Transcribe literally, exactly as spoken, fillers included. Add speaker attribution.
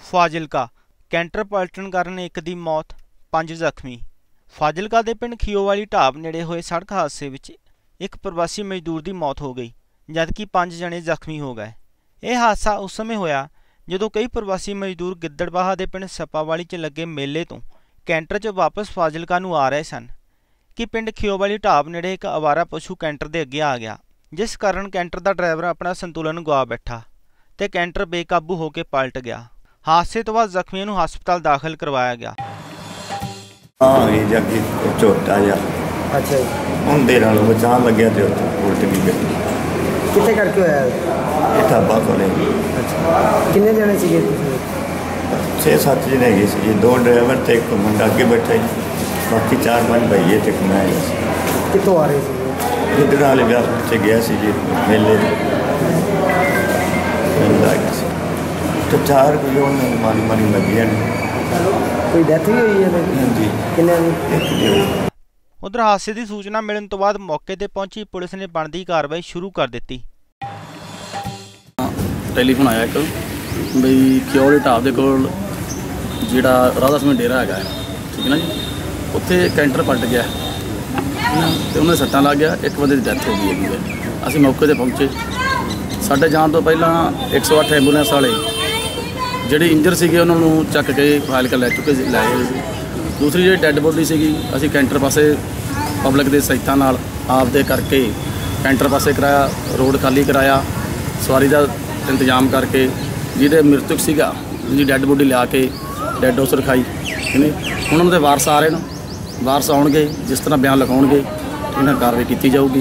Speaker 1: Fazilka canter ਪਲਟਣ ਕਾਰਨ ਇੱਕ ਦੀ ਮੌਤ, ਪੰਜ ਜ਼ਖਮੀ। ਫਾਜ਼ਿਲਕਾ ਦੇ ਪਿੰਡ ਖੀਓਵਾਲੀ ਢਾਬ ਨੇੜੇ ਹੋਏ ਸੜਕ ਹਾਦਸੇ ਵਿੱਚ ਇੱਕ ਪ੍ਰਵਾਸੀ ਮਜ਼ਦੂਰ ਦੀ ਮੌਤ ਹੋ ਗਈ, ਜਦਕਿ ਪੰਜ ਜਣੇ ਜ਼ਖਮੀ ਹੋ ਗਏ। ਇਹ ਹਾਦਸਾ ਉਸ ਸਮੇਂ ਹੋਇਆ ਜਦੋਂ ਕਈ ਪ੍ਰਵਾਸੀ ਮਜ਼ਦੂਰ ਗਿੱਦੜਬਾਹਾ ਦੇ ਪਿੰਡ ਸੱਪਾਵਾਲੀ 'ਚ ਲੱਗੇ ਮੇਲੇ ਤੋਂ ਕੈਂਟਰ 'ਚ ਵਾਪਸ ਫਾਜ਼ਿਲਕਾ ਨੂੰ ਆ ਰਹੇ ਸਨ ਕਿ ਪਿੰਡ ਖੀਓਵਾਲੀ ਢਾਬ ਨੇੜੇ ਇੱਕ ਅਵਾਰਾ ਪਸ਼ੂ ਕੈਂਟਰ ਦੇ ਅੱਗੇ ਆ ਗਿਆ, ਜਿਸ ਕਾਰਨ ਕੈਂਟਰ ਦਾ ਡਰਾਈਵਰ ਆਪਣਾ ਸੰਤੁਲਨ ਗੁਆ ਬੈਠਾ ਤੇ ਕੈਂਟਰ ਬੇਕਾਬੂ ਹੋ ਕੇ ਪਲਟ ਗਿਆ। ਹਾਦਸੇ ਤੋਂ ਬਾਅਦ ਜ਼ਖਮੀਆਂ ਨੂੰ ਹਸਪਤਾਲ ਦਾਖਲ ਕਰਵਾਇਆ ਗਿਆ।
Speaker 2: हाँ ये जाके झोटा जा
Speaker 3: अच्छा
Speaker 2: होंदे नाल बचान लग्या ते उल्ट गई गड्डी।
Speaker 3: कितने करके होया?
Speaker 2: ये ढाबा खोले।
Speaker 3: अच्छा किन्ने जने सीगे तुसीं?
Speaker 2: छे सत्त जने हैगे सी, दो ड्राइवर ते एक मुंडा अगे बैठा जी, बाकी चार पांच भईए ते मैं हैगा सी।
Speaker 3: कितों आ रहे सी?
Speaker 2: इधर वाले ब्याह च गया सी जी मेले मेला गया सी तो चार कोई उन्होंने मारी मारी लगियां ने।
Speaker 3: कोई डेथ भी हुई है
Speaker 2: जी
Speaker 3: किन्ने
Speaker 2: दी?
Speaker 1: ਉਧਰ ਹਾਦਸੇ ਦੀ ਸੂਚਨਾ ਮਿਲਣ ਤੋਂ ਬਾਅਦ ਮੌਕੇ ਤੇ ਪਹੁੰਚੀ ਪੁਲਿਸ ਨੇ ਬਣਦੀ ਕਾਰਵਾਈ ਸ਼ੁਰੂ ਕਰ ਦਿੱਤੀ।
Speaker 4: ਟੈਲੀਫੋਨ ਆਇਆ ਇੱਕ ਬਈ ਖਿਓਵਾਲੀ ਢਾਬ ਦੇ ਕੋਲ ਜਿਹੜਾ ਰਾਧਾ ਸਮੇਂ ਡੇਰਾ ਹੈਗਾ, ਠੀਕ ਹੈ ਨਾ ਜੀ, ਉੱਥੇ ਕੈਂਟਰ ਪਲਟ ਗਿਆ ਤੇ ਉਹਨਾਂ ਦੇ ਸੱਟਾਂ ਲੱਗ ਗਿਆ, ਇੱਕ ਬੰਦੇ ਦੀ ਡੈਥ ਹੋ ਗਈ ਹੈਗੀ ਹੈ। ਅਸੀਂ ਮੌਕੇ ਤੇ ਪਹੁੰਚੇ। ਸਾਡੇ ਜਾਣ ਤੋਂ ਪਹਿਲਾਂ ਇੱਕ ਸੌ ਅੱਠ ਐਂਬੂਲੈਂਸ ਵਾਲੇ ਜਿਹੜੇ ਇੰਜਰ ਸੀਗੇ ਉਹਨਾਂ ਨੂੰ ਚੱਕ ਕੇ ਫਾਜ਼ਿਲਕਾ ਲੈ ਚੁੱਕੇ ਲੈ ਗਏ ਸੀ। ਦੂਸਰੀ ਜਿਹੜੀ ਡੈੱਡ ਬੋਡੀ ਸੀਗੀ ਅਸੀਂ ਕੈਂਟਰ ਪਾਸੇ ਪਬਲਿਕ ਦੇ ਸਹਾਇਤਾ ਨਾਲ ਆਪ ਦੇ ਕਰਕੇ ਕੈਂਟਰ ਪਾਸੇ ਕਰਾਇਆ, ਰੋਡ ਖਾਲੀ ਕਰਾਇਆ, ਸਵਾਰੀ ਦਾ ਇੰਤਜ਼ਾਮ ਕਰਕੇ ਜਿਹਦੇ ਮ੍ਰਿਤਕ ਸੀਗਾ ਜਿਹਦੀ ਡੈੱਡ ਬੋਡੀ ਲਿਆ ਕੇ ਡੈੱਡ ਹਾਊਸ ਰਖਾਈ। ਠੀਕ ਹੈ, ਹੁਣ ਉਹਨਾਂ ਦੇ ਵਾਰਸ ਆ ਰਹੇ ਨੇ, ਵਾਰਸ ਆਉਣਗੇ, ਜਿਸ ਤਰ੍ਹਾਂ ਬਿਆਨ ਲਿਖਾਉਣਗੇ ਇਹਨਾਂ ਕਾਰਵਾਈ ਕੀਤੀ ਜਾਊਗੀ।